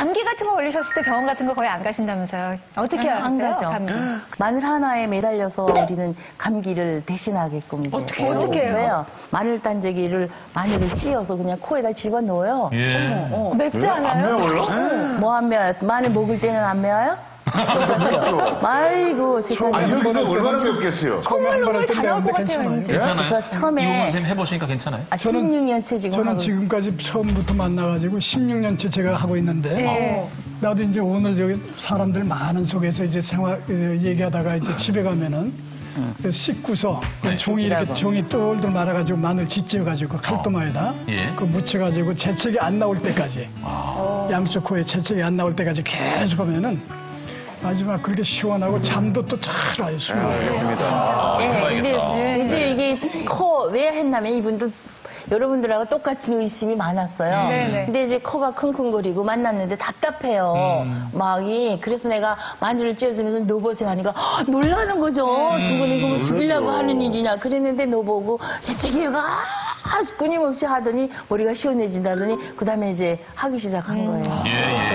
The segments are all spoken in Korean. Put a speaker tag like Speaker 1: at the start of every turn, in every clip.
Speaker 1: 감기 같은 거 걸리셨을 때 병원 같은 거 거의 안 가신다면서요? 어떻게
Speaker 2: 안
Speaker 1: 하세요?
Speaker 2: 가죠.
Speaker 1: 감기.
Speaker 2: 마늘 하나에 매달려서 우리는 감기를 대신하게끔 이제.
Speaker 1: 어떻게 해요?
Speaker 2: 왜요? 마늘 단제기를 마늘을 찧어서 그냥 코에다 집어넣어요.
Speaker 3: 예.
Speaker 1: 맵지 않아요?
Speaker 4: 안 매워요?
Speaker 2: 뭐 안 매워요? 마늘 먹을 때는 안 매워요? 아이고 세상에.
Speaker 4: 아, 이거 얼마나 맵겠어요?
Speaker 1: 콧물을 다 나올 것 같아요, 왠지.
Speaker 3: 괜찮아요?
Speaker 2: 그래서 처음에
Speaker 3: 이호선 선생님 해보시니까 괜찮아요?
Speaker 2: 16년째 지금
Speaker 5: 저는
Speaker 2: 하고
Speaker 5: 지금까지 처음부터 만나가지고 16년째 제가 하고 있는데
Speaker 1: 네.
Speaker 5: 나도 이제 오늘 저기 사람들 많은 속에서 이제 생활 얘기하다가 이제 집에 가면은 그 씻고서 그 종이 이렇게 종이 똘똘 말아가지고 마늘 짓지어가지고 칼도마에다
Speaker 3: 예.
Speaker 5: 그 묻혀가지고 재채기 안 나올 때까지 양쪽 코에 재채기 안 나올 때까지 계속 하면은 마지막 그렇게 시원하고 잠도 또 잘 와요.
Speaker 4: 알겠습니다.
Speaker 2: 예, 근데
Speaker 3: 해봐야겠다.
Speaker 2: 이제 이게 코 왜 했냐면 이분도 여러분들하고 똑같은 의심이 많았어요.
Speaker 1: 네네.
Speaker 2: 근데 이제 코가 킁킁거리고 만났는데 답답해요. 막이. 그래서 내가 마늘을 찧어주면서 노보세 하니까 놀라는 거죠. 두분 이거 뭐 죽이려고 하는 일이냐. 그랬는데 노보고 재채기가 끊임없이 하더니 머리가 시원해진다더니 그 다음에 이제 하기 시작한 거예요.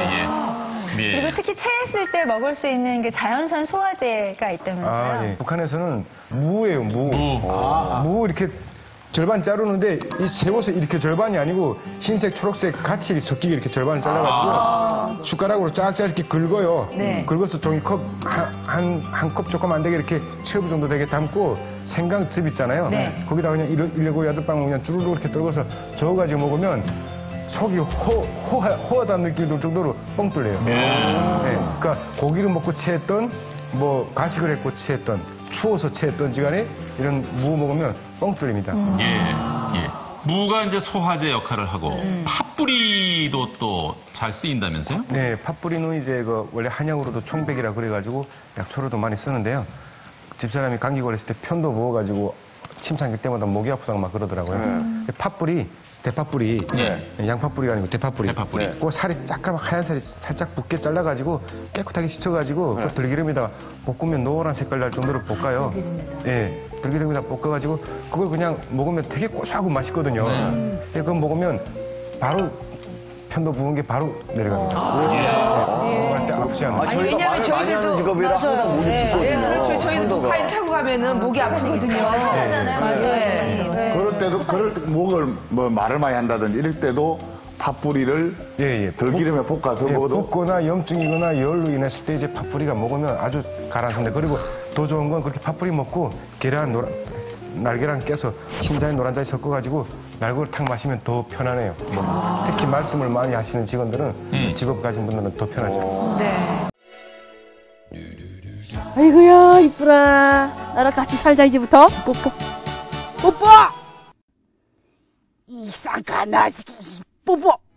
Speaker 3: 예.
Speaker 1: 그리고 특히 체했을 때 먹을 수 있는 게 자연산 소화제가 있다면서요?
Speaker 6: 아, 예. 북한에서는 무예요, 무.
Speaker 3: 무.
Speaker 6: 무 이렇게 절반 자르는데 이 새우젓 이렇게 절반이 아니고 흰색, 초록색 같이 섞이게 이렇게 절반을 잘라가지고 숟가락으로 쫙쫙 이렇게 긁어요.
Speaker 1: 네.
Speaker 6: 긁어서 종이컵 한 컵 조금 안 되게 이렇게 첩 정도 되게 담고 생강즙 있잖아요.
Speaker 1: 네.
Speaker 6: 거기다가 그냥 7-8방울 그냥 주르륵 이렇게 떨궈서 저어가지고 먹으면 속이 호하다는 느낌이 들 정도로 뻥 뚫려요. 네. 그러니까 고기를 먹고 체했던 뭐 가식을 했고 체했던 추워서 체했던 시간에 이런 무 먹으면 뻥 뚫립니다.
Speaker 3: 예. 무가 이제 소화제 역할을 하고 팥뿌리도 또 잘 쓰인다면서요?
Speaker 6: 네, 팥뿌리는 이제 그 원래 한약으로도 총백이라 그래가지고 약초로도 많이 쓰는데요. 집사람이 감기 걸렸을 때 편도 부어가지고 침 삼킬 때마다 목이 아프다고 막 그러더라고요. 팥뿌리, 대팥뿌리, 양팥뿌리가 아니고 대팥뿌리.
Speaker 3: 대팥뿌리.
Speaker 6: 그 살이 잠깐만 하얀 살이 살짝 붓게 잘라가지고 깨끗하게 씻어가지고 그 들기름에다 볶으면 노란 색깔 날 정도로 볶아요. 예, 들기름에다 볶아가지고 그걸 그냥 먹으면 되게 고소하고 맛있거든요. 예, 그거 먹으면 바로 편도 부은 게 바로 내려갑니다. 먹을 때 아프지 않아요.
Speaker 4: 저희가
Speaker 7: 왜냐면
Speaker 4: 말을 많이 하는 직업이라 항상 목이 붓거든요.
Speaker 7: 그렇죠. 저희도 목카이 타고 가면은 목이 아프거든요.
Speaker 4: 그럴 때 목을 뭐 말을 많이 한다든지 이럴 때도 팥뿌리를
Speaker 6: 예.
Speaker 4: 들기름에 볶아서
Speaker 6: 예,
Speaker 4: 먹어도
Speaker 6: 붓거나 염증이거나 열로 인했을 때 이제 팥뿌리가 먹으면 아주 가라앉습니다. 그리고 더 좋은 건 그렇게 팥뿌리 먹고 날계란 깨서 흰자에 노란자에 섞어가지고 날고를 탁 마시면 더 편안해요. 특히 말씀을 많이 하시는 직원들은 직업 가진 분들은 더 편하죠.
Speaker 1: 네.
Speaker 8: 아이고야 이쁘라. 나랑 같이 살자 이제부터. 뽀뽀. 뽀뽀. 이상한 나지기 뽀뽀.